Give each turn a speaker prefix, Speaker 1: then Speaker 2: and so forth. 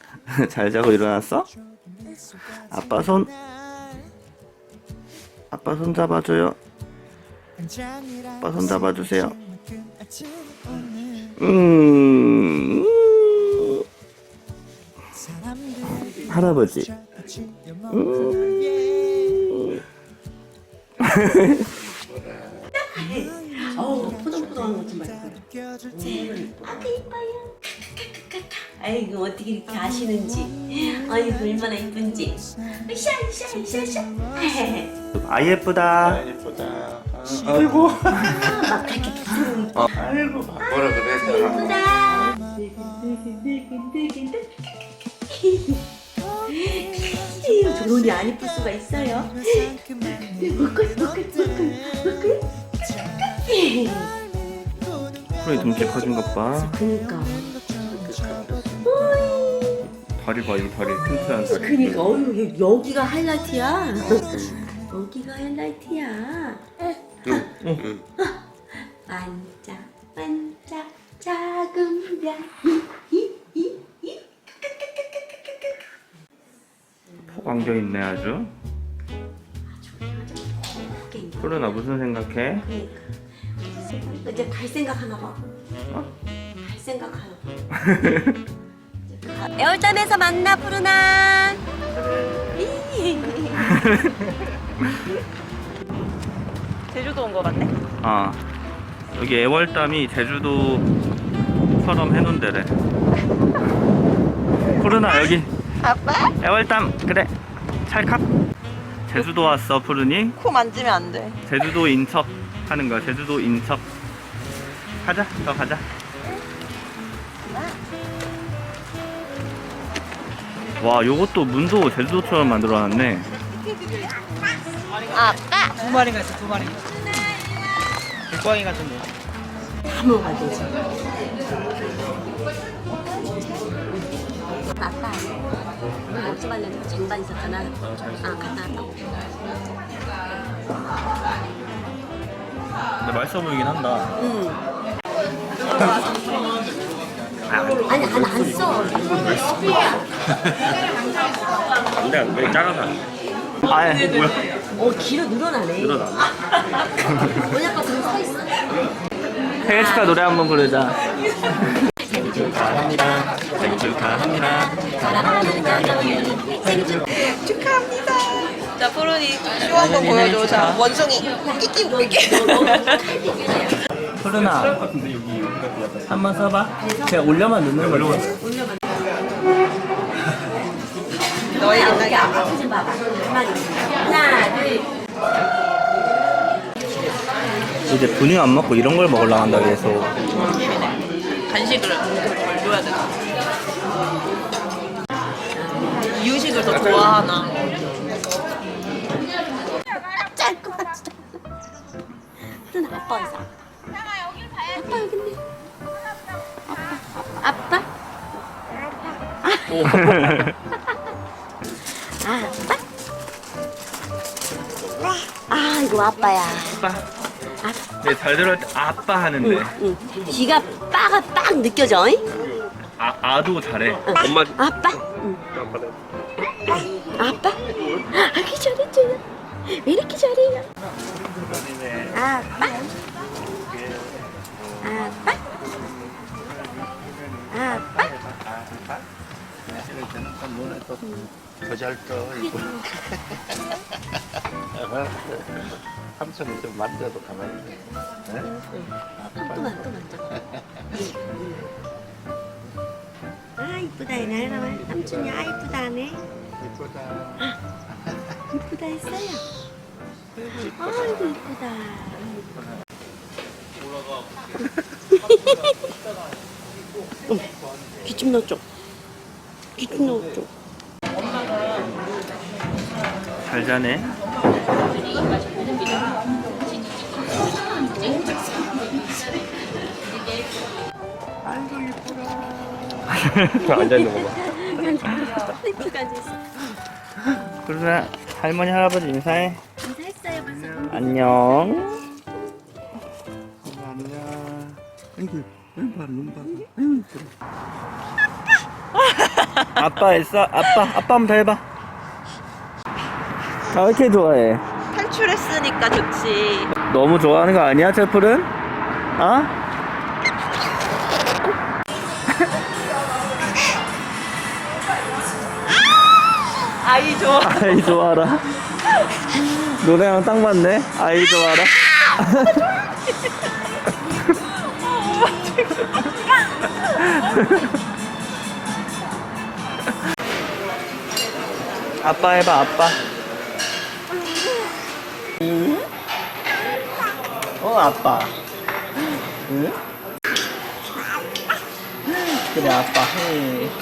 Speaker 1: 잘 자고 일어났어? 아빠 손 잡아줘요. 아빠 손 잡아주세요. 할아버지.
Speaker 2: 포동포동한 것 좀 봐요. 아그 이뻐요. 아이고 어떻게 이렇게 아시는지. 아이고 얼마나 이쁜지. 샤샤샤샤.
Speaker 1: 아 예쁘다.
Speaker 3: 예쁘다. 아이고.
Speaker 2: 막 그렇게 부끄러워.
Speaker 3: 아이고 뭐라 그랬잖아.
Speaker 2: 예쁘다. 저런이 안 이쁠 수가 있어요.
Speaker 1: 프로이 등치 커진 것 봐.
Speaker 2: 그니까.
Speaker 1: 다리 봐, 이 다리 튼튼한 다리.
Speaker 2: 그니까 어휴 여기가 하이라이트야. 여기가 하이라이트야. 반짝 반짝 작은 별.
Speaker 1: 폭 안겨 있네 아주. 프로나 무슨 생각해?
Speaker 2: 이제 갈 생각 하나 봐. 갈 생각 하나 봐. 애월담에서 만나 푸르나.
Speaker 4: 제주도 온 거 같네?
Speaker 1: 아 여기 애월담이 제주도처럼 해놓은 데래. 푸르나 여기
Speaker 4: 아빠?
Speaker 1: 애월담 그래 찰칵. 제주도 왔어 푸르니.
Speaker 4: 코 만지면 안 돼.
Speaker 1: 제주도 인척 하는 거야. 제주도 인척. 가자 더 가자. 와 요것도 문도 제주도처럼 만들어놨네.
Speaker 4: 아빠?
Speaker 5: 두 마리가 있어, 두 마리. 물고기 같은데.
Speaker 2: 다 먹어야 되지. 아빠 오늘 먹지 말래도 쟁반 있었잖아. 아 갔다 왔다고.
Speaker 1: 근데 맛있어 보이긴 한다.
Speaker 2: 응. 아니 안 써.
Speaker 1: 안돼 작아서. 아예 뭐야?
Speaker 2: 길어 늘어나네.
Speaker 1: 늘어나네.
Speaker 2: 뭐냐고 지금 서 있어.
Speaker 1: 생일 축하 노래 한번 부르자. 생일 축하합니다. 생일 축하합니다.
Speaker 4: 축하합니다. 자, 푸른이 쇼 한번 보여줘. 자, 원숭이. 끼끼 끼끼.
Speaker 1: 푸르나 한번 써봐. 그냥 올려만 넣는 걸로.
Speaker 4: 너희
Speaker 2: 여기
Speaker 4: 옛날에
Speaker 2: 앞에 좀 봐봐. 가만히 있어. 하나 둘.
Speaker 1: 이제 분유 안 먹고 이런 걸 먹으려고 한다 계속.
Speaker 4: 간식을 줘야 되나? 이유식을 더 좋아하나?
Speaker 2: 짧구만 진짜. 푸른 아빠 있어. 아빠 여기 있네. 아빠? 아빠? 아 이거 아빠야.
Speaker 1: 아빠. 네, 잘 들을 때 아빠 하는데.
Speaker 2: 응. 귀가 빠가 빡 느껴져. 잉?
Speaker 1: 아도 잘해.
Speaker 2: 엄마. 아빠? 응. 아빠? 아기 잘했잖아. 왜 이렇게 잘해요? 아빠? 아빠? 아빠?
Speaker 3: 더잘 떠. 삼촌이 좀 만져도 가만히 있네.
Speaker 2: 또 만져. 아 이쁘다 이 나라 삼촌이 아 이쁘다 하네.
Speaker 3: 이쁘다.
Speaker 2: 이쁘다 했어요. 아이고 이쁘다. 귀좀 넣어줘. 귀좀 넣어줘.
Speaker 1: 잘 자네. 앉아있는 거 봐.
Speaker 2: 이쁘게 앉아있어.
Speaker 1: 그러나 할머니 할아버지 인사해.
Speaker 2: 인사했어요 벌써.
Speaker 1: 안녕.
Speaker 3: 안녕. 아이고, 눈 봐. 아이고,
Speaker 1: 아빠 했어? 아빠 한번 더 해봐. 아, 왜 이렇게 좋아해?
Speaker 4: 탈출했으니까 좋지.
Speaker 1: 너무 좋아하는 거 아니야, 채플은? 어?
Speaker 4: 아이 좋아.
Speaker 1: 아이 좋아라. 노래랑 딱 맞네. 아이 좋아라. 아빠 해봐, 아빠. 응? 아빠. 응? 그래, 아빠 해.